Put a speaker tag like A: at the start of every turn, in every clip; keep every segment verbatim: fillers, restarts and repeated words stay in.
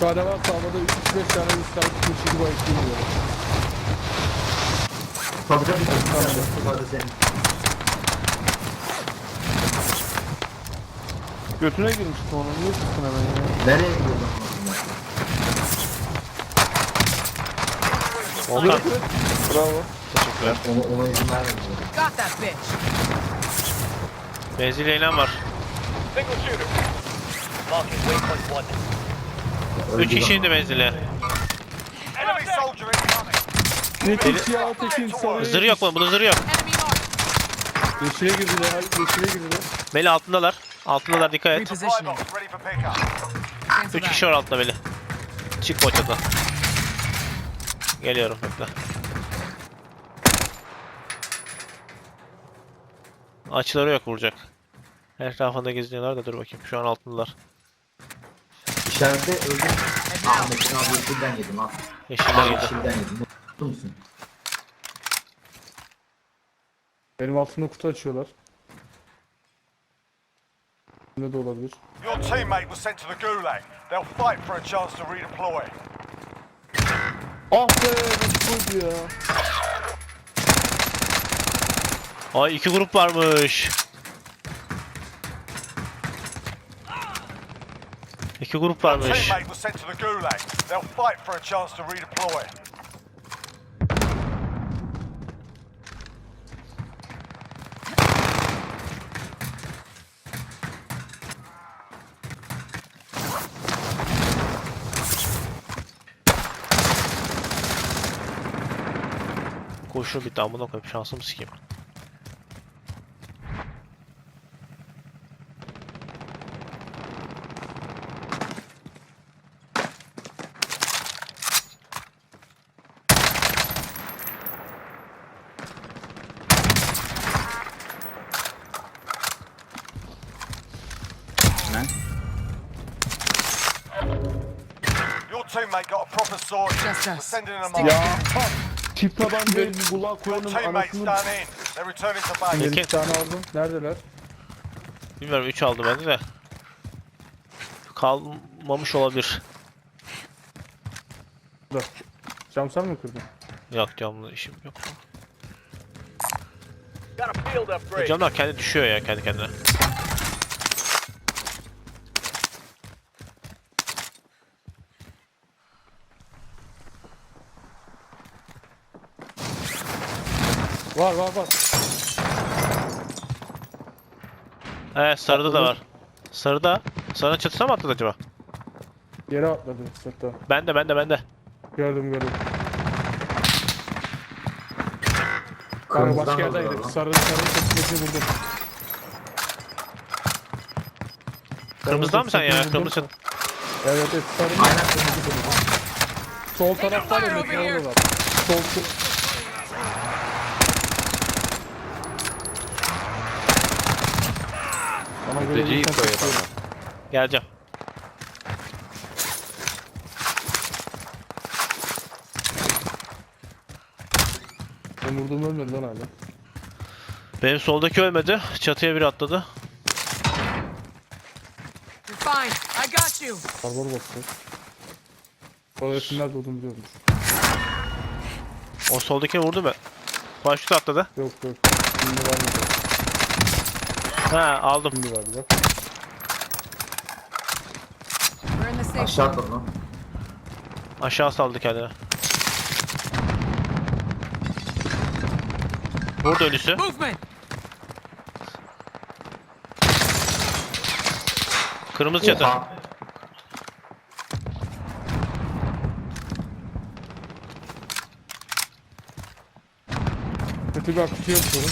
A: tane var sağlamada üç beş tane üst tane geçici bu ekliği yiyor.
B: Tabii tabii. Tabii senin.
A: Götüne girmişti onu. Niye çıktın hemen ya?
B: Nereye gidiyorsun?
C: Volkan.
A: Bravo.
C: Teşekkürler.
B: Ona, ona izin vermedim.
D: Got that bitch.
C: Benzin eylem var.
E: Single shooter. Marking waypoint one.
C: Üç kişiydi benzile.
E: Enemy soldier incoming.
A: Bir tek siyah tekin sarıya.
C: Zırh yok mu? Bunun zırhı yok.
D: Enemy marked.
A: Yeşile girdiler. Hayır yeşile girdiler.
C: Meli altındalar. Altındalar, dikkat et.
E: Buy
D: Repositioning.
E: box ready for pickup.
D: Cancel
C: Üç
D: that.
C: kişi var altta Meli. Çık boçadan. Geliyorum bekle. Açıları yok vuracak. Etrafında geziniyorlar da dur bakayım. Şu an altındalar.
B: İçeride öldüm. Ahmet'in abi yeşilden yedim ha.
C: Yeşiller yedi.
B: Yeşilden yedim. Mutlu musun?
A: Benim altımda kutu açıyorlar. Ne de olabilir.
E: Your teammate was sent to the gulag. They'll fight for a chance to redeploy.
A: Ah be nasıl ya?
C: Ay iki grup varmış. İki grup
E: Your
C: varmış.
E: teammate was sent to the gulag. They'll fight for a chance to redeploy.
C: Koşu bir damına koyup şansımı sikeyim.
E: Your teammate got a proper sword.
D: Just
E: We're
D: us.
E: sending them
D: Stick
E: off.
A: Ya tip taban benim kulağa
E: Your
A: koyanın
E: teammates
A: anasını.
E: done in. They're returning to base.
A: Benim
C: Peki.
A: bir tane aldım. Neredeler?
C: Bilmiyorum üç aldı bende de. Kalmamış olabilir.
A: Burada. Cam sen mi kırdın?
C: Yok camlı işim yok.
E: Got a field upgrade.
C: Camlar kendi düşüyor ya kendi kendine.
A: Var var var.
C: Evet sarıda da var. Sarıda. Sarının çatısına mı atladı acaba?
A: Yere atladı hatta.
C: Bende bende bende.
A: Gördüm gördüm. Kanka
B: Kırmızıdan
A: başka
B: da
A: yerdeydi.
B: alıyorlar lan.
A: Sarı sarı çatısını vurdum.
C: Kırmızıdan mı sen ya?
A: Vurdum.
C: Kırmızı çat.
A: Evet evet sarı.
B: Aynen kırmızı kırmızı.
A: Sol tarafta da metre orada. Sol sol. Bana göre
F: Mülteciyi
A: bir
F: koyalım.
A: tane
C: Geleceğim.
A: Ben vurdum ölmedi lan hala.
C: Benim soldaki ölmedi. Çatıya biri atladı.
D: You're fine. I got you.
A: Barbar bastı. Orası nerede olduğunu biliyorum.
C: O soldakini vurdu mu? Paraşüt atladı.
A: Yok yok. Şimdi var mı?
C: Ha aldım.
A: Şimdi var bak.
D: We're in the safe
B: Aşağı
D: zone.
B: atladı lan.
C: Aşağı saldı kendini. Burada ölüsü.
D: Movement.
C: Kırmızı çatı.
B: Oha.
A: Kötü bir akıcı yapıyorum.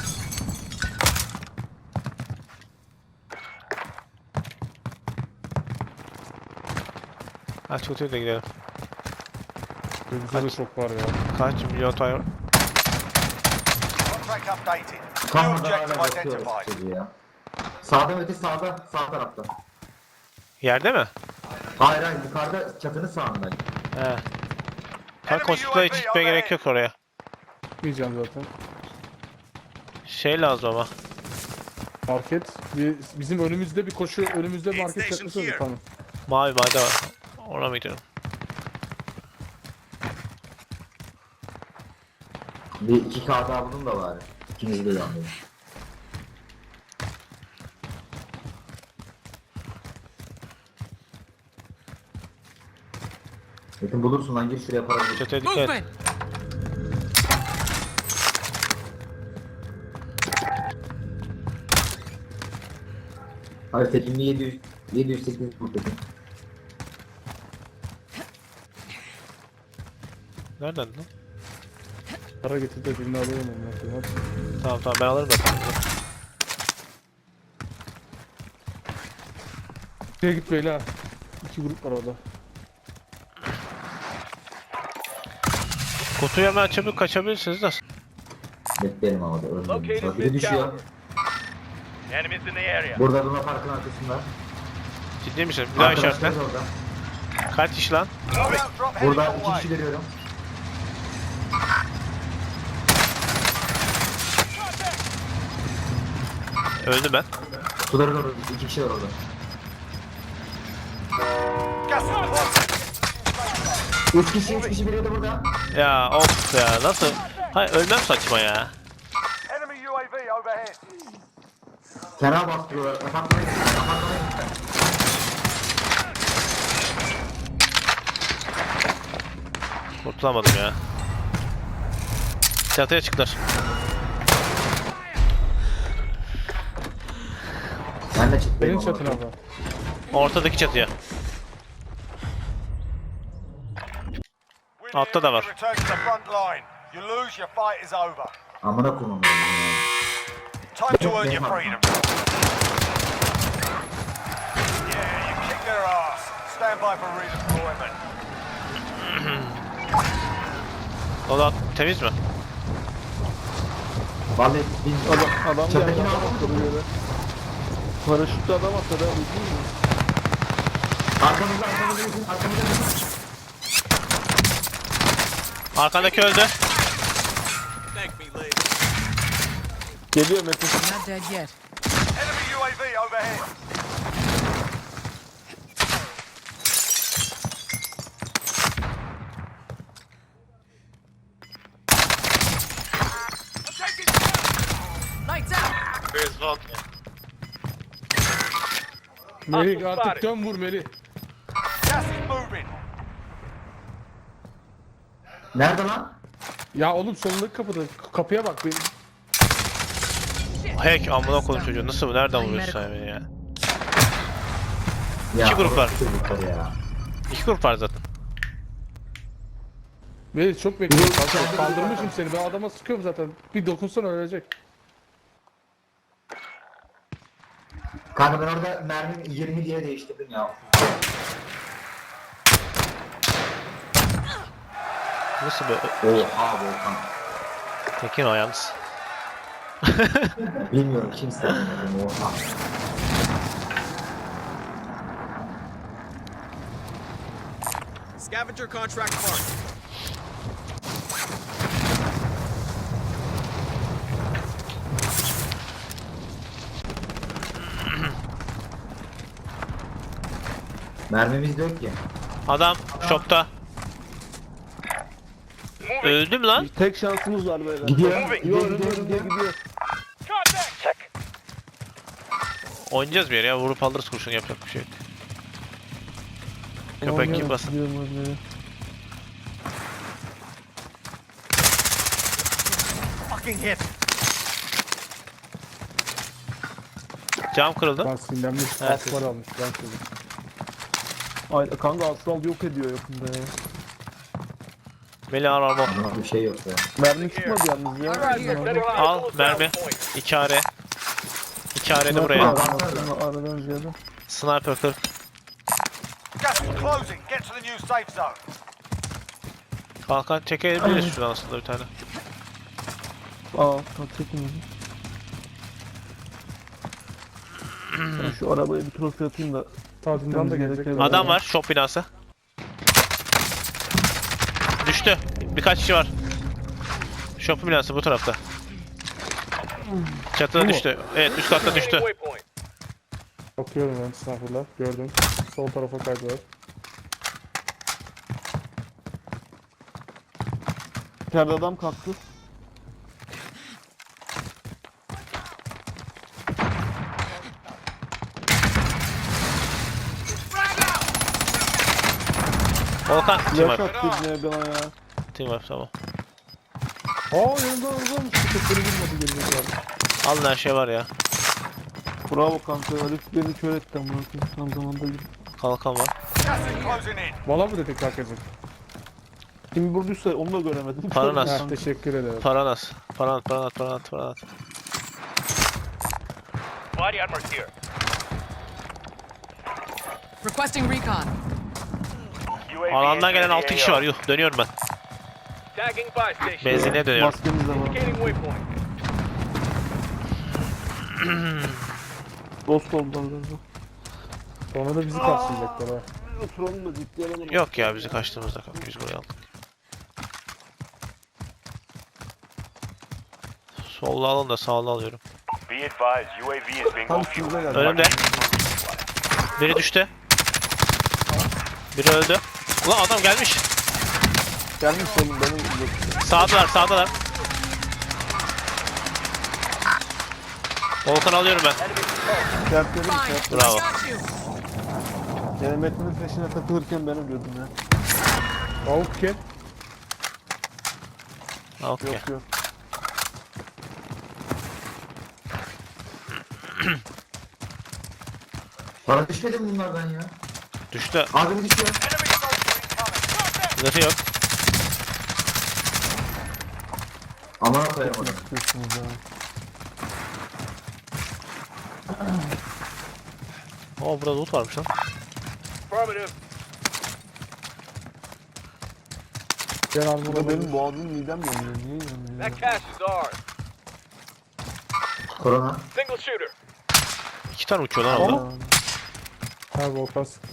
C: Ha çatıya da gidelim.
A: Bizde de çok var ya.
C: Kaç milyon tane?
E: Contract updated. New
B: Kanmadan hala
E: objective
B: bakıyoruz
E: identified.
B: çocuğu ya. Sağda öte sağda. Sağ tarafta.
C: Yerde mi?
B: Hayır hayır yukarıda çatının sağında.
C: He. Kanka hospitala hiç gitmeye gerek yok oraya.
A: Gitmeyeceğim zaten.
C: Şey lazım ama.
A: Market. Bir, bizim önümüzde bir koşu, önümüzde bir market çakması oldu tamam.
C: Mavi madde var. Ona mı gidiyorum?
B: Bir iki K daha buldum da bari. İkinizi de yandım. Metin bulursun lan, gir şuraya para bul.
C: Çatıya dikkat et.
D: Movement!
B: Hayır Tekin'li yedi yüz, yedi yüz sekiz bu Tekin.
C: Nereden lan?
A: Para getir de birini alayım onu. Hadi.
C: Tamam tamam ben alırım zaten.
A: Şuraya git böyle ha. İki grup var orada.
C: Kutuyu hemen açıp kaçabilirsiniz de.
B: Bekleyelim ama da ölmedim.
E: Located
B: Bak biri
E: mid
B: düşüyor.
E: caliber. Enemies in the area.
B: Burada Luna Park'ın arkasında.
C: Ciddi misin? Bir daha
B: Arkadaşlar
C: işaretle.
B: da orada.
C: Kaç kişi lan?
E: Loadout drop heading
B: Burada
E: your
B: iki
E: way.
B: kişi görüyorum.
C: Öldü ben.
B: Suların orada iki kişi var orada.
E: Gas is closing.
B: Üç kişi, üç kişi biri de burada.
C: Ya of ya nasıl? Hayır ölmem saçma ya.
E: Enemy U A V overhead.
B: Fena bastırıyorlar. Apartmana gitsin, apartmana gitsin.
C: Kurtulamadım ya. Çatıya çıktılar.
B: Ben de çıktım.
A: Benim çatın abi.
C: Ortadaki çatıya.
E: We
C: Altta da var.
E: need to return to the front line. You lose, your fight is over.
B: Amına koymam.
E: Time to earn your freedom. Yeah, you kick their ass. Stand by for redeployment.
C: Oda temiz mi?
B: Vallahi bilmiyorum.
A: Adam, adam
B: Çatıdakini
A: geldi. Adam
B: aldım.
A: atladı yere. Paraşütle adam atladı abi. Değil mi?
B: Arkamızda, arkamızda gitsin, arkamızda gitsin.
C: Arkandaki öldü.
A: Geliyor Metin.
D: Not dead yet.
E: Enemy U A V overhead.
D: Lights out!
A: Melih artık dön vur Melih.
E: Gas is moving.
B: Nerede lan?
A: Ya oğlum solundaki kapıda. Kapıya bak. Bir...
C: Hack amına koyayım çocuğu. Nasıl bu? Nereden vuruyorsun sen beni ya?
B: Ya,
C: İki grup var.
B: iki grup var ya.
C: İki grup var zaten.
A: Melih çok bekliyorum.
B: Bir-
A: Kaldır- Kaldırmışım seni. Ben adama sıkıyorum zaten. Bir dokunsan ölecek.
B: Kanka ben orada mermi yirmi diye değiştirdim ya.
C: Nasıl be?
B: Oha Volkan.
C: Tekin o yalnız.
B: Bilmiyorum kimse bilmiyorum oha.
F: Scavenger contract marked.
B: Mermimiz de yok ki.
C: Adam shopta. Öldüm lan.
A: Tek şansımız var böyle.
B: Gidiyor.
A: Gidiyor,
B: Gidiyor,
A: gidiyor,
B: gidiyor,
A: gidiyor,
B: gidiyor.
A: gidiyor.
C: Oynayacağız bir yere ya. Vurup alırız kurşun yapacak bir şey yok. Köpek gibi
A: Oynuyorum,
C: basın.
A: gidiyorum oraya.
E: Fucking hit.
C: Cam kırıldı.
A: Ben sinirlenmiş.
C: Evet,
A: Evet, var almış. Ben söyledim. Ay kanka Astral yok ediyor yakında ya.
C: Melih al al al.
B: Ama bir şey yok ya.
A: Mermi çıkmadı yalnız ya.
D: Right here.
C: Al mermi. İki are. İki are de buraya.
A: Sniper aradan ziyade.
C: Sniper kır.
E: Gas is closing. Get to the new safe zone.
C: Kalkan çekebiliriz şuradan aslında bir tane.
A: Aa, çekin. Ben şu arabaya bir trofi atayım da. Tadından da gelecek.
C: Adam var shop binası. Düştü. Birkaç kişi var. Shop binası bu tarafta. Çatıda
A: Bu mu?
C: düştü. Evet üst katta düştü.
A: Bakıyorum ben sniper'lar. Gördüm. Sol tarafa kaydılar. İçeride adam kalktı.
C: Volkan team
A: Flash
C: up.
A: attı ibneye bana ya.
C: Team up tamam.
F: Aa yanımda yanımda Köpekleri vurmadı gelecekler.
C: Alın her şey var ya.
A: Bravo kanka. Herif beni kör etti amına koyayım. Tam zamanda gibi.
C: Kalkan var.
E: Gas is closing in.
F: Valla mı dedik herkesin?
A: Kim vurduysa onu da göremedim.
C: Paran az.
F: Ha, teşekkür ederim.
C: Paran az. Paran at, paran at, paran at, paran at.
E: Body armor here.
D: Requesting recon.
C: Alandan gelen altı kişi var. Yuh dönüyorum ben.
E: Tagging buy station.
C: Benzinliğe dönüyorum.
A: Maskemiz de var.
E: waypoint.
A: Dost oldular galiba.
F: Sonra da bizi karşılayacaklar ha.
A: Oturalım da ciddi alalım.
C: Yok ya bizi kaçtığımızda kanka biz buraya aldık. Solla alın da sağla alıyorum.
E: Be advised, U A V is being
A: Tam üstümüze geldi.
C: Önümde. Biri düştü. Biri öldü. Ulan adam gelmiş.
A: Gelmiş oğlum benim.
C: Sağdalar sağdalar. Volkan alıyorum ben.
A: Kertlerim
D: Fine.
A: kert.
C: Bravo.
D: Got you.
A: Yani Metin'in peşine takılırken ben ölüyordum ya.
F: Tavuk kim?
C: Okey.
A: Yok yok.
B: Bana düşmedi mi bunlardan ya?
C: Düştü.
B: Abim düşüyor.
E: Enemy soldier incoming.
C: Zırhı yok.
B: Aman koyamadım.
A: Çıkıyorsunuz ya.
C: Oo burada loot varmış lan.
E: Affirmative.
F: Gel al
A: Burada
F: burada
A: benim
F: benim.
A: boğazım midem yanıyor. Niye yanıyor ya?
E: That cash is ours.
B: Korona.
E: Single shooter.
C: İki tane uçuyor lan orada.
A: Aa,
F: Ha volkan sıktı.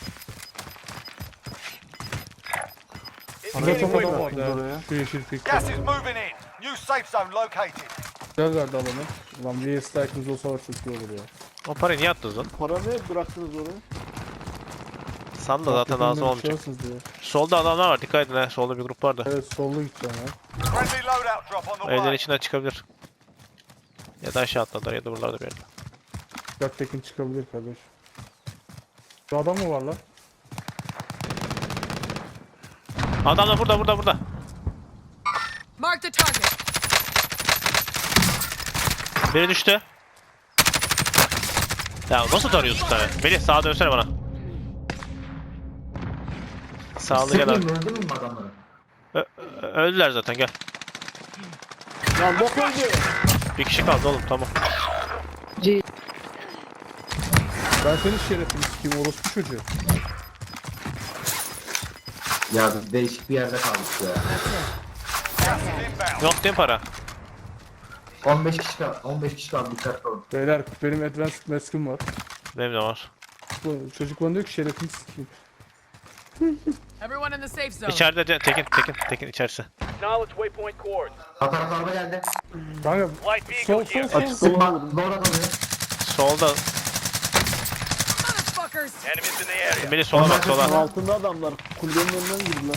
A: Arada
F: Burada
A: çok
F: çok
A: adam
F: adam
A: vardı
F: vardı
A: oraya.
F: ha. Şu yeşil pik.
E: Gas is moving in. New safe zone located.
F: Güzel verdi alanı. Ulan bir strike'ımız olsa var çok iyi olur ya.
C: O parayı niye attınız lan?
A: Para ne bıraktınız oraya?
C: San da zaten lazım olmayacak.
F: Düşersiniz diye.
C: Solda adamlar var dikkat edin ha. Solda bir grup var da.
F: Evet sollu gideceğim ya.
E: Friendly loadout drop on the
C: Evlerin
E: way.
C: içinden çıkabilir. Ya da aşağı atladılar ya da buralarda bir yerde.
F: Göktekin çıkabilir kardeş. Şu adam mı var lan?
C: Adam da burada burada burada.
D: Mark the target.
C: Biri düştü. Ya nasıl tarıyorsun sen? Melih sağa dönsene bana. Sağlı gel abi.
B: Sıkmayayım mı? Öldürmeyeyim mi adamları?
C: Ö- ö- öldüler zaten gel.
A: Lan bok öldü.
C: Bir kişi kaldı oğlum tamam.
F: Ben senin şerefini sikeyim orospu çocuğu.
B: Ya değişik bir yerde kaldık ya.
E: Gas is inbound.
C: Yok değil mi para?
B: on beş kişi kaldı. on beş kişi kaldı. Dikkatli olun.
F: Beyler benim advanced mask'im var.
C: Benim de var.
F: Bu çocuk bana diyor ki şerefini sikeyim.
D: Everyone in the safe zone.
C: İçeride de- Tekin Tekin Tekin içerisi.
E: Knowledge waypoint coords.
B: Hatar araba geldi.
F: Kanka
E: Light vehicle
F: sol
E: here.
F: sol sol.
B: Sıkma. Doğru kalıyor.
C: Solda.
D: Motherfuckers.
E: Enemies in the area.
C: Melih sola bak
A: Lan
C: sola.
A: altında adamlar. Kulübenin önünden girdiler.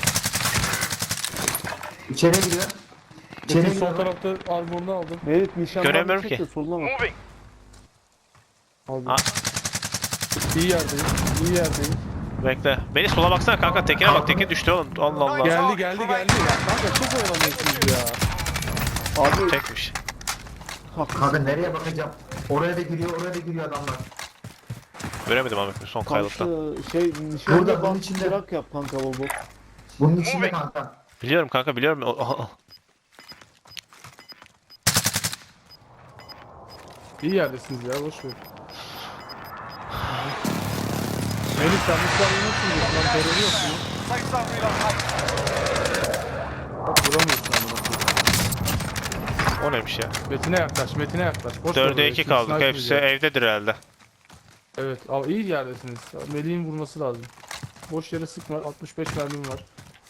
B: İçeriye giriyor. İçeriye
F: Metin sol
B: giriyor.
F: tarafta armorunu aldım.
A: Merit nişan
C: Göremiyorum
A: çek de
C: ki.
A: soluna bak.
E: Moving.
F: Aldım.
C: Ha.
F: İyi yerdeyim. İyi yerdeyim.
C: Bekle. Melih sola baksana kanka Tekin'e bak Tekin düştü oğlum. Allah Allah.
F: Geldi geldi geldi. Ya kanka çok oyalanıyorsunuz ya.
A: Abi
C: Tekmiş.
B: Kanka nereye bakacağım? Oraya da giriyor, oraya da giriyor adamlar.
C: Göremedim abi son kayalıktan.
A: kanka şey nişan
B: Burada,
A: da
B: bunun
A: bak
B: içinde.
A: bırak yap kanka bol bol.
B: Bunun içinde kanka.
C: Biliyorum kanka biliyorum. O- o- o-
F: İyi yerdesiniz ya boş ver. Melih sen bu silahı nasıl diyorsun lan terörü yok mu?
E: Safe zone relocated.
F: Bak vuramıyorsun ama.
C: O neymiş ya?
F: Metin'e yaklaş, Metin'e yaklaş. Boş ver
C: Dörde
F: böyle,
C: iki
F: şimdi
C: kaldık.
F: sniper
C: Hepsi
F: yiyeceğiz.
C: evdedir herhalde.
F: Evet, ama iyi yerdesiniz. Melih'in vurması lazım. Boş yere sıkma, altmış beş mermim var.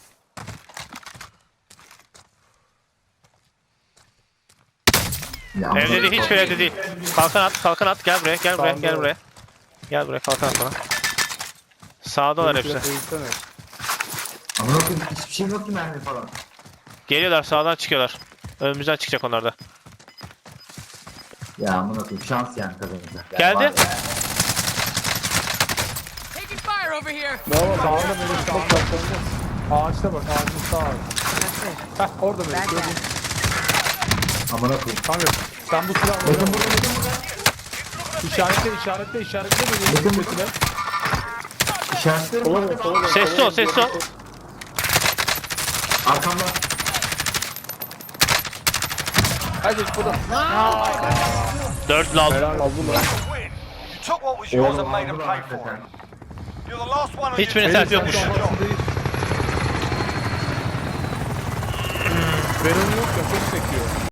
B: Ya,
C: Evde değil hiçbir evde değil. Kalkan at kalkan at gel buraya gel buraya
F: Sağında
C: gel
F: var.
C: buraya. Gel buraya kalkan at bana. Sağdalar
F: Melih
C: hepsi.
F: biraz eğilsene.
B: Ama yok ki hiçbir şey yok ki mermi falan.
C: Geliyorlar sağdan çıkıyorlar. Önümüzden çıkacak onlar da.
B: Ya amına koyayım şans yani kazanacak. Yani
C: Geldi.
B: var ya.
D: Taking fire over here.
A: Bravo.
F: Sağda Melih sağda. Ağaçta bak ağacın sağ ağacı. Heh orada Melih gördüm.
B: Amına koyayım.
F: Kanka sen bu silahla
B: Bakın burada bakın burada.
F: işaretle işaretle işaretle Melih'in
B: Bakın burada.
F: sesine.
B: İşaretlerim
A: Sola
B: var.
A: dön, sola dön,
C: Sessiz
A: sola
C: ol,
A: dön,
C: sessiz ol.
B: Arkamda.
F: Hadi burada.
C: Dört lal.
A: Helal aldılar.
E: Win. You took what was yours and made them
B: Aldılar
E: pay for
B: hakikaten.
E: it. You're the last one on
C: Hiçbirinin
E: your
C: selfie
E: team.
C: yokmuş.
E: Good job.
F: Veron yok ya çok sekiyor.